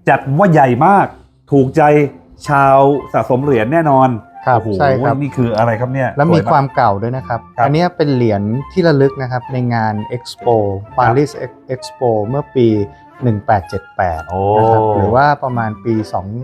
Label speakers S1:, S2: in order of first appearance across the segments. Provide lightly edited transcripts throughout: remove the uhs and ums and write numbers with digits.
S1: จัดว่าใหญ่มากถูกใจชาวสะสมเหรียญแน่นอน
S2: ครับ
S1: โอ้โห
S2: ใช่ครับ
S1: นี่คืออะไรครับเนี่ย
S2: แล้วมีความเก่าด้วยนะครับ
S1: ครับ
S2: อันนี้เป็นเหรียญที่ระลึกนะครับในงาน Expo Paris Expo เมื่อปี 1878
S1: โอ้
S2: นะครับหรือว่าประมาณปี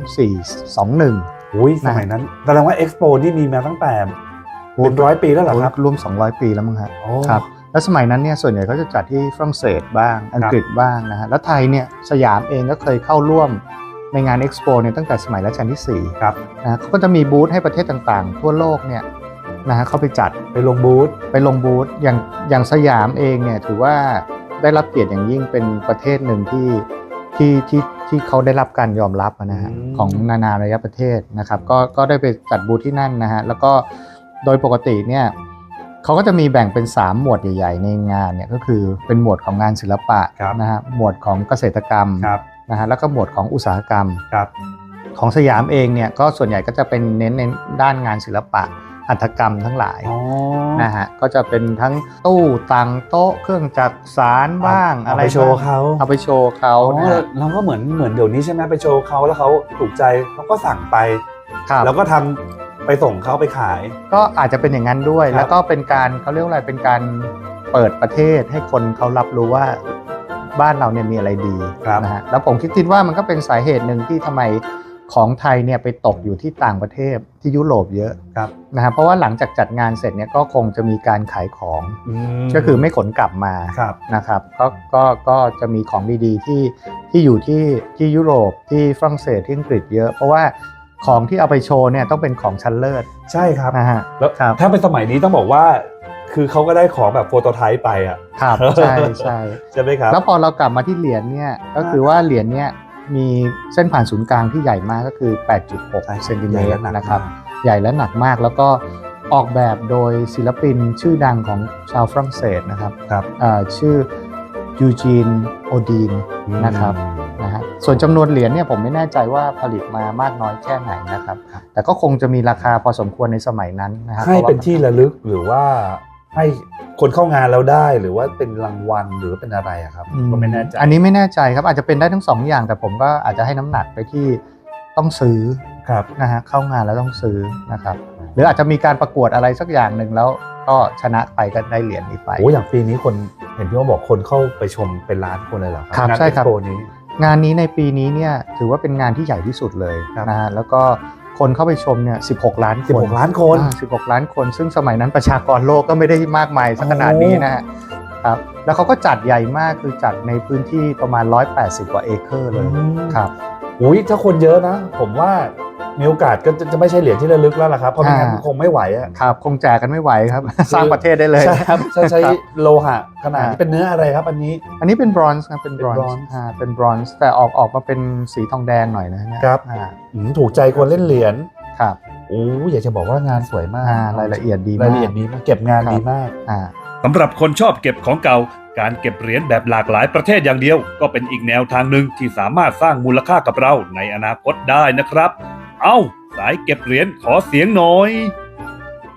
S2: 2421
S1: อุ้ยสมัยนั้นแสดงว่าเอ็กซ์โปนี่มีมาตั้งแต่เป็น100 ปีแล้วเหรอครับ
S2: รวม 200 ปีแล้วมั้งครับ
S1: โอ้
S2: ครับแล้วสมัยนั้นเนี่ยส่วนใหญ่เขาจะจัดที่ฝรั่งเศสบ้างอังกฤษบ้างนะฮะแล้วไทยเนี่ยสยามเองก็เคยเข้าร่วมในงาน Expo เนี่ยตั้งแต่สมัยรัชกาลที่4
S1: ครับ
S2: นะเขาก็จะมีบูธให้ประเทศต่างๆ ทั่วโลกเนี่ยนะฮะเข้าไปจัด
S1: ไปลงบูธ
S2: อย่างสยามเองเนี่ยถือว่าได้รับเกียรติอย่างยิ่งเป็นประเทศหนึ่งที่เขาได้รับการยอมรับนะฮะของนานาอารยประเทศนะครับก็ได้ไปจัดบูธที่นั่นนะฮะแล้วก็โดยปกติเนี่ยเขาก็จะมีแบ่งเป็น3หมวดใหญ่ๆในงานเนี่ยก็คือเป็นหมวดของงานศิลปะนะฮะหมวดของเกษตรกรรมนะฮะแล้วก็หมวดของอุตสาหกรรมของสยามเองเนี่ยก็ส่วนใหญ่ก็จะเป็นเน้นในด้านงานศิลปะหัตถกรรมทั้งหลายนะฮะก็จะเป็นทั้งตู้ตังโต๊ะเครื่องจักสานบ้างอะไร
S1: ไปโชว์เขา
S2: เอาไปโชว์เขานะฮะ
S1: เราก็เหมือนเดี๋ยวนี้ใช่ไหมไปโชว์เขาแล้วเขาถูกใจเขาก็สั่งไป
S2: ครับ
S1: แล้วก็ทำไปส่งเขาไปขาย
S2: ก็อาจจะเป็นอย่างนั้นด้วย
S1: ครับ
S2: แล้วก็เป็นการเขาเรียกว่าอะไรเป็นการเปิดประเทศให้คนเขารับรู้ว่าบ้านเราเนี่ยมีอะไรดีนะฮะแล้วผมคิดว่ามันก็เป็นสาเหตุหนึ่งที่ทำไมของไทยเนี่ยไปตกอยู่ที่ต่างประเทศที่ยุโรปเยอะนะฮะเพราะว่าหลังจากจัดงานเสร็จเนี่ยก็คงจะมีการขายของก็คือไม่ขนกลับมานะครับก็จะมีของดีๆที่อยู่ที่ยุโรปที่ฝรั่งเศสที่อังกฤษเยอะเพราะว่าของที่เอาไปโชว์เนี่ยต้องเป็นของชั้นเลิศ
S1: ใช่ครับ
S2: นะฮะ
S1: แล้วถ้าเป็นสมัยนี้ต้องบอกว่าคือเขาก็ได้ของแบบโฟโตไทป์ไปอ่ะ
S2: ครับใช่ใช่
S1: ใช่ไหมครับ
S2: แล้วพอเรากลับมาที่เหรียญเนี่ยก็คือว่าเหรียญเนี่ยมีเส้นผ่านศูนย์กลางที่ใหญ่มากก็คือ 8.6 เซนติเมตรนะครับใหญ่และหนักมากแล้วก็ออกแบบโดยศิลปินชื่อดังของชาวฝรั่งเศสนะครับชื่อยูจีนโอดีนนะครับนะฮะส่วนจำนวนเหรียญเนี่ยผมไม่แน่ใจว่าผลิตมามากน้อยแค่ไหนนะครับแต่ก็คงจะมีราคาพอสมควรในสมัยนั้นนะครับ
S1: ให้เป็นที่ระลึกหรือว่าให้คนเข้างานแล้วได้หรือว่าเป็นรางวัลหรือเป็นอะไรอะครับก็ไม่แน่ใจ
S2: อันนี้ไม่แน่ใจครับอาจจะเป็นได้ทั้ง2อย่างแต่ผมก็อาจจะให้น้ำหนักไปที่ต้องซื้อนะฮะเข้างานแล้วต้องซื้อนะครับหรืออาจจะมีการประกวดอะไรสักอย่างหนึ่งแล้วก็ชนะไปก็ได้เหรียญนี้ไป
S1: โอ้อย่างปีนี้คนเห็นพี่ว่าบอกคนเข้าไปชมเป็นล้านคนเลยเหรอครับ
S2: ใช่ครับ
S1: นี้
S2: งานนี้ในปีนี้เนี่ยถือว่าเป็นงานที่ใหญ่ที่สุดเลยนะฮะแล้วก็คนเข้าไปชมเนี่ย16 ล้านคน
S1: 16 ล้านคน
S2: 16 ล้านคนซึ่งสมัยนั้นประชากรโลกก็ไม่ได้มากมายสักขนาดนี้นะฮะครับแล้วเขาก็จัดใหญ่มากคือจัดในพื้นที่ประมาณ180 กว่าเอเคอร์เลยครับ
S1: อุ้ยถ้าคนเยอะนะผมว่ามีโอกาสก็จะไม่ใช่เหรียญที่ระลึกแล้วล่ะครับเพราะไม่งั้นคงไม่ไหวอะ
S2: ครับคงแจกกันไม่ไหวครับสร้างประเทศได้เลย
S1: ใช่ครับใช้โลหะขนาดนี้เป็นเนื้ออะไรครับอันนี้
S2: เป็นบรอนซ์ครับเป็นบรอนซ์เป็นบรอนซ์แต่ออกมาเป็นสีทองแดงหน่อยนะครับ
S1: ถูกใจคนเล่นเหรียญ
S2: ครับ
S1: โอ้อยากจะบอกว่างานสวยมาก
S2: รายละเอียดดีมาก
S1: รายละเอียดดีมากเก็บงานดีมาก
S3: สำหรับคนชอบเก็บของเก่าการเก็บเหรียญแบบหลากหลายประเทศอย่างเดียวก็เป็นอีกแนวทางหนึ่งที่สามารถสร้างมูลค่ากับเราในอนาคตได้นะครับเอ้าสายเก็บเหรียญขอเสียงหน่อย